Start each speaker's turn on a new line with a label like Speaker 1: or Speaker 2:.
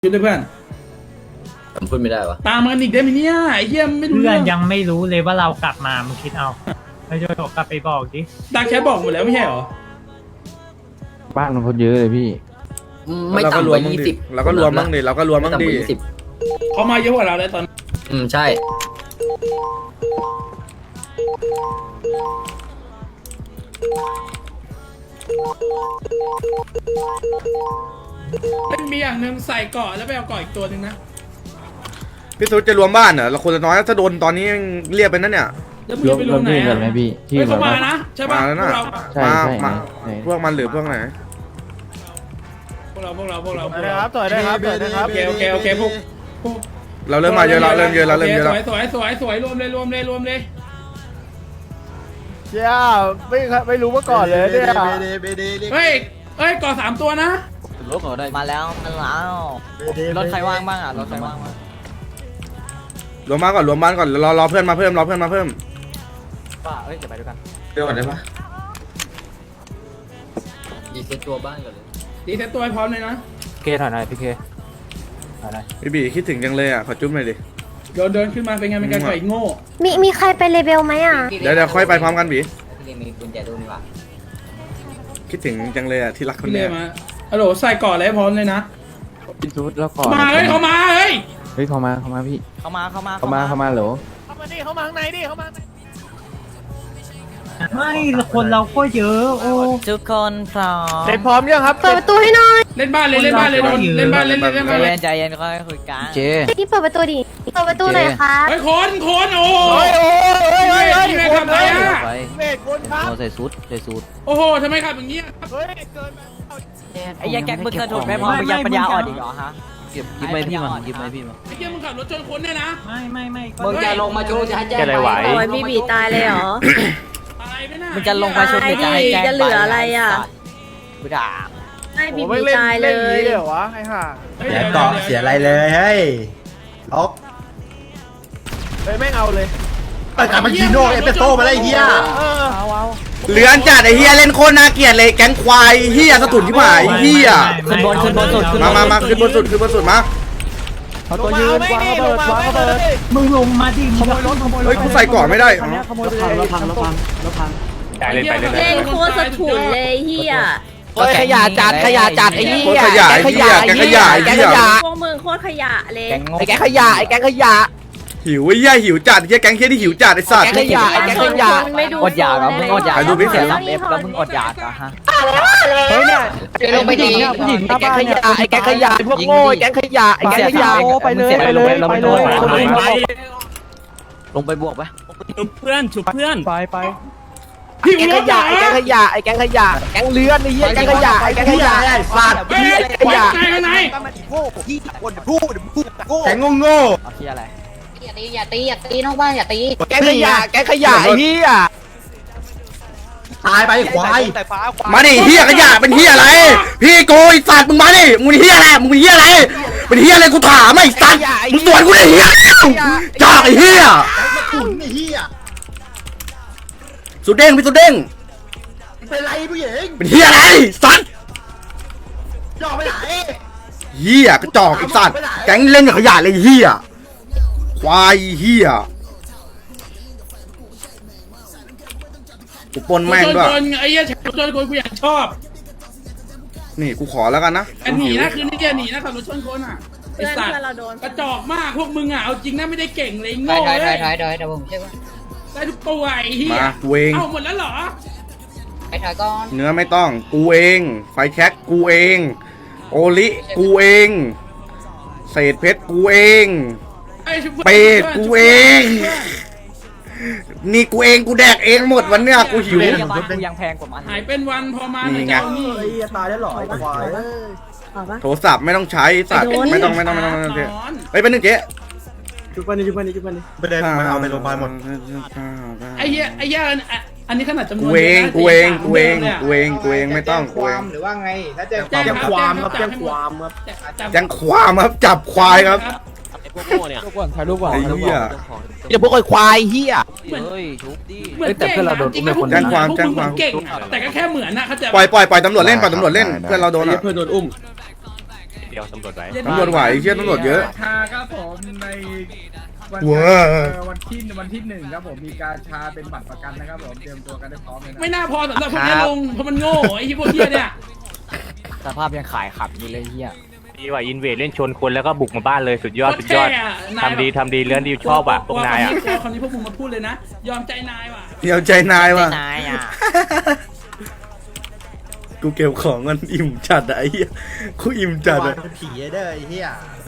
Speaker 1: ชุดด้วยเพื่อน
Speaker 2: ผมพูดไม่ได้วะ
Speaker 1: ตามมันอีกได้ไหมเนี่ยไอ้เหี้ยไม่รู้
Speaker 3: เพื่อ
Speaker 1: เรื่
Speaker 3: น
Speaker 1: อง
Speaker 3: ยังไม่รู้เลยว่าเรากลับมามึงคิดเอาแล้วจะกลับไปบอกดิ
Speaker 1: ดักแชทบอกหมดแล้วไม่ใช่เหรอ
Speaker 4: บ้านมันคนเยอะเลยพี่
Speaker 2: ไม่ต่ำกว่า20
Speaker 5: เราก็รวมบ้างดิเราก็รวมบ้าง
Speaker 2: ไต่ำ
Speaker 5: ดิ
Speaker 2: กว่า20
Speaker 1: เขามาเยอะกว่าเราเลยตอน
Speaker 2: ใช่
Speaker 1: มันมีอย่างหนึ่งใส่เกาะแล้วไปเอาเกาะอีกตัวหนึ่งนะ
Speaker 5: พี่สุดจะรวมบ้านเหรอเราคนละน้อยถ้าโดนตอนนี้เรียกไปนั่นเนี่ย
Speaker 1: แล้วมึงจะไปลงไหน
Speaker 4: รวมที่กั
Speaker 1: อ่ะ
Speaker 4: นไหมพี่ที่
Speaker 1: เฮ้ย
Speaker 4: แบ
Speaker 1: เขา
Speaker 4: บ
Speaker 1: มา
Speaker 4: ว่า
Speaker 1: นะใช่ป่ะ
Speaker 5: มาแล้วนะ
Speaker 4: ใช่
Speaker 5: มา
Speaker 4: ใช่
Speaker 5: มา
Speaker 4: ใช่
Speaker 5: พวกมันหรือพวกไหน
Speaker 1: พวกเราพวกเราพวกเรา
Speaker 6: นะครับต่อยได้ครับต่อยได้ครับ
Speaker 1: โอเคพวก
Speaker 5: เราเริ่มมาเยอะแล้วเริ่มเยอะแล้วเริ่มเยอะแล้ว
Speaker 1: สวยรวมเลย
Speaker 6: เจ้าไม่รู้มาก่อนเลยเนี่ย
Speaker 1: เฮ้ยเกาะ3 ตัวนะ
Speaker 7: มาแล้วรถใครว่างบ้างอ่ะรถใครว่างบ้าง
Speaker 5: รวมบ้านก่อนรวมบ้านก่อนรอเพื่อนมาเพิ่มรอเพื่อนมาเพิ่ม
Speaker 7: ป่ะเอ้ยเดี๋ยวไปด้วยกัน
Speaker 5: เดี๋ยวก่อนได้ปะ
Speaker 2: ดีเซ็ตตัวบ้านก่อนเลย
Speaker 1: ดีเซ็ตตัวให้พร้อมเลยนะ
Speaker 6: เคถอยหน่อยพี่เคถอยหน่อย
Speaker 5: พี่บีคิดถึงจังเลยอ่ะขอจุ๊บหน่อยดิ
Speaker 1: เดินขึ้นมาเป็นไงเป็นการไก่โง่
Speaker 8: มีใครไปเลเวลไหมอ่ะ
Speaker 5: เดี๋ยวค่อยไปพร้อมกันบี
Speaker 7: พี่มีกุญแจตู้นี่ว่ะ
Speaker 5: คิดถึงจังเลยอ่ะที่รักคน
Speaker 1: พี่เล
Speaker 5: เนี้ย
Speaker 1: มาฮัลโหลใส่เกาะอะไรให้พร้อมเลยนะ
Speaker 4: พี่ซูดแล้วก่อน
Speaker 1: มาเฮ้ยเขามาเฮ้ย
Speaker 4: เฮ้ยเขามาพี่
Speaker 7: เข้ามา
Speaker 4: เขามาเหรอ
Speaker 6: เข้ามาดิเข้ามาข้างในดิเข้ามา
Speaker 3: ไม่คนเราก็เยอะโอ้
Speaker 7: ทุกคนพร้อม
Speaker 6: เสร็จพร้อมยังครับ
Speaker 8: เปิดประตูให้หน่อย
Speaker 1: เล่นบ้านเลยโดนเล่นบ้านเลย
Speaker 7: ใจเย็นค่อยคุยกัน
Speaker 8: นี่เปิดประตูดิ เปิดประตูหน่อยครับ
Speaker 1: เฮ้ยคนโอ้
Speaker 6: โอ้ย
Speaker 1: นี่ไงทำไรอ่ะ
Speaker 6: เมฆคนครับ
Speaker 7: ใส่ซูท
Speaker 1: โอ้โหทำไมขับอย่างเงี้ย
Speaker 6: เฮ้ยเกิน
Speaker 7: ไอ้ยักษ์แก๊กมึงเคยถูกไหมพอมึงยังปัญญาอ่อนอีกเหรอฮะ
Speaker 2: ยิบไปพี่มายิบไปพี่มา
Speaker 1: ไอ้เหี้ยมึงขับรถชนคนเนี่ยนะ
Speaker 3: ไม่ก็
Speaker 2: มึงจะลงมาจูจะให้แจ้ง
Speaker 6: อะไรไหว
Speaker 8: โอ้ยบีตายเลยเหรอ
Speaker 1: ตายไปน่ะ
Speaker 7: มึงจะลงมาชมหรือจะให้แจ้ง
Speaker 8: จะเหลืออะไรอ่ะ
Speaker 7: กูด่า
Speaker 8: ไม่บี
Speaker 6: ไม่เล่น
Speaker 8: ตาย
Speaker 6: เล่
Speaker 8: เล
Speaker 6: นนี้
Speaker 8: ย
Speaker 6: เลยเหรอวะไอ้ห่า
Speaker 1: เสีย
Speaker 9: เกาะเสียอะไรเลยเฮ้ยล็อก
Speaker 6: เฮ้ยแม่งเอาเลย
Speaker 9: เปิดกลับมาจีโน่เอสเปรสโซ่มาได้เฮีย
Speaker 6: เอา
Speaker 5: เลือนจัดไอ้เฮียเล่นโคตรน่าเกลียดเลยแก๊งควายเฮียสะตุนที่หมายเฮีย
Speaker 7: ขึ้นบนสุด
Speaker 5: มาขึ้นบนสุดมา
Speaker 6: เขาตัวยืนวางระเบิดวางระเบิด
Speaker 3: มึงลงมาดิขโมยรถ
Speaker 5: เฮ้ยกูใส่ก่อนไม่ได้
Speaker 6: ขโมยรถพัง
Speaker 8: เล่นโคตรสะถุนเลยเฮีย
Speaker 7: ขยะจัดไอ้เหี้
Speaker 5: โคตรขยะไอ้เฮียแก๊งขยะไอ้เฮีย
Speaker 8: พวกมึงโคตรขยะเลย
Speaker 7: ไอ้แก๊งขยะ
Speaker 5: หิวไอ้เฮียหิวจัดไอ้เฮียแก๊งเฮียที่หิวจัดไอ้สัตว์
Speaker 7: ไอ้แก๊งขยะ
Speaker 8: ไม่ดู
Speaker 7: อดอยากเหรอมึงอดอยาก
Speaker 5: ไปดูพี่เสือ
Speaker 7: แล้วมึงอดอยากเหรอฮะ
Speaker 6: เฮ้ยเนี่ย
Speaker 7: ลงไปดี
Speaker 6: ผู้หญิงไอ้แก๊งขยะไอ้แก๊งขยะพวกโง่ไอ้แก๊งขยะไอ้แก๊งขยะไปเลย
Speaker 7: ลงไปบวกไป
Speaker 3: เพื่อนฉุบเพื่อน
Speaker 6: ไป
Speaker 1: หิว
Speaker 6: แก๊ง
Speaker 1: ร
Speaker 6: ข
Speaker 1: ถ
Speaker 6: ยะไอ้แก๊งขยะไอ้แก๊งขยะแก๊งเลื้อนไอ้เหี้ยแก๊งขยะไอ้แก๊งขยะ
Speaker 9: ไอ้สัตว์
Speaker 1: เฮ้ยไหน
Speaker 9: แข็งโง่
Speaker 7: เอาที่อะไร
Speaker 8: อย่าตีนอกบ้านอย่าตี
Speaker 6: แก๊งขยะไอ้เหี้ย
Speaker 9: ตายไปควาย
Speaker 5: มาดิเฮียขยะเป็นเฮียอะไรพี่โกยสัตว์มึงมาดิมึงเฮียอะไรมึงเฮียอะไรเป็นเฮียอะไรกูถามไอ้สัตว์มึงสวนกูดิเฮียจ่าไอ้เฮีย
Speaker 9: ขุนไอ้เฮีย
Speaker 5: สุดเด้งพี่สุดเด้ง
Speaker 9: เป็นไรผู้หญิง
Speaker 5: เป็นเฮียอะไรสัตว์
Speaker 9: ย่อไปไหน
Speaker 5: เฮียกระจอกไอ้สัตว์แก๊งเล่นกับขยะเลยเฮียควายเฮียกูปนแม่งด้วย
Speaker 1: ไอ้เหี้ยชนคนกูอยากชอบ
Speaker 5: นี่กูขอแล้วกันนะ
Speaker 1: หนีนะคืนนี้หนีนะขับรถชนคนอ่ะไอ้
Speaker 8: เพื่อน
Speaker 1: สัตว์
Speaker 8: เราโดน
Speaker 1: กระจอกมากพวกมึงอ่ะเอาจริงนะไม่ได้เก่งเลยโง่เลย
Speaker 7: เดี๋ยวผมใช่ไหม
Speaker 1: ได้ทุกตัวไอ้เหี้ย
Speaker 5: มากูเอง
Speaker 1: เอาหมดแล้วเหรอ
Speaker 7: ไปถอยก่อน
Speaker 5: เนื้อไม่ต้องกูเองไฟแช็กกูเองโอลิกูเอง เศษเพชรกูเอง เป็ดกูเอง นี่กูเองกูแดกเองหมดวันเนี้ยกูหิว
Speaker 7: บ้านกูยังแพงกว่ามัน
Speaker 1: หายเป็นวันพอมา
Speaker 5: นี่ไง
Speaker 1: เจ้านี่
Speaker 9: ตายแล้วหรอควาย
Speaker 8: เอาปะ
Speaker 5: โทรศัพท์ไม่ต้องใช้สัตว์ไม่ต้องเฮ้ยเป็นหนึ่งเจ๊
Speaker 9: ไม่ได้มาเอาไปโรงพยาบาลหมด
Speaker 1: ไอ้เหี้ยอันนี้ขนาดจำนวน
Speaker 5: กูเองกูเองกูเองกูเองกูเองไม่ต้องกูเอง
Speaker 9: หรือว่าไงถ้าแจ้ง
Speaker 1: แจ้งความครับ
Speaker 9: แจ้งความครับ
Speaker 5: แจ้งความครับจับควายครับ
Speaker 6: ลูกก่อนถ่ายรูปก่อน
Speaker 5: ไอ้เหี้ย
Speaker 6: เดี๋ยวพวกควายเหี้ย
Speaker 7: เฮ้ยทุบดิ
Speaker 1: เหมือนเก่งจริงๆพวก
Speaker 5: แจ้งความ
Speaker 1: พวก
Speaker 5: แจ้งความ
Speaker 1: มึเก่งอะแต่ก็แค่เหมือนนะเขาใจ
Speaker 5: ปล่อยตำรวจเล่นปล่อยตำรวจเล่นเพื่อนเราโดนอ่ะ
Speaker 1: เพื่อนโดนอุ้ม
Speaker 8: เดียวตำรวจไว้
Speaker 5: ตำรวจไหวเชี่ยตำรวจเยอะ
Speaker 1: ชาครับผมในวัน
Speaker 5: ว้า
Speaker 1: วันที่หนึ่งครับผมมีการชาเป็นบัตรประกันนะครับผมเตรียมตัวกันได้พร้อมเลยนะไม่น่าพอสำหรับพวกนี้ลงเพราะมันโง่ไอ้ที่พวกเหี้ยเนี่ย
Speaker 7: สภาพยังขายขับอยู่เลยเฮีย
Speaker 8: ดีว่าอินเวดเล่นชนคนแล้วก็บุกมาบ้านเลยสุดยอดสุดยอดทำดีเลื่อนดีชอบอ่ะพวกนายอ่ะ
Speaker 1: คำนี้พวกมึงมาพูดเลยนะ ยอมใจนายว่ะ
Speaker 5: เดี๋ยวใจนายว่ะ
Speaker 7: นายอ่ะ
Speaker 5: กูเก็บของเงินอิ่มจัดอะไอ้เหี้ยกูอิ่มจัดอะ
Speaker 9: ผีเด้อไอ้เหี้ย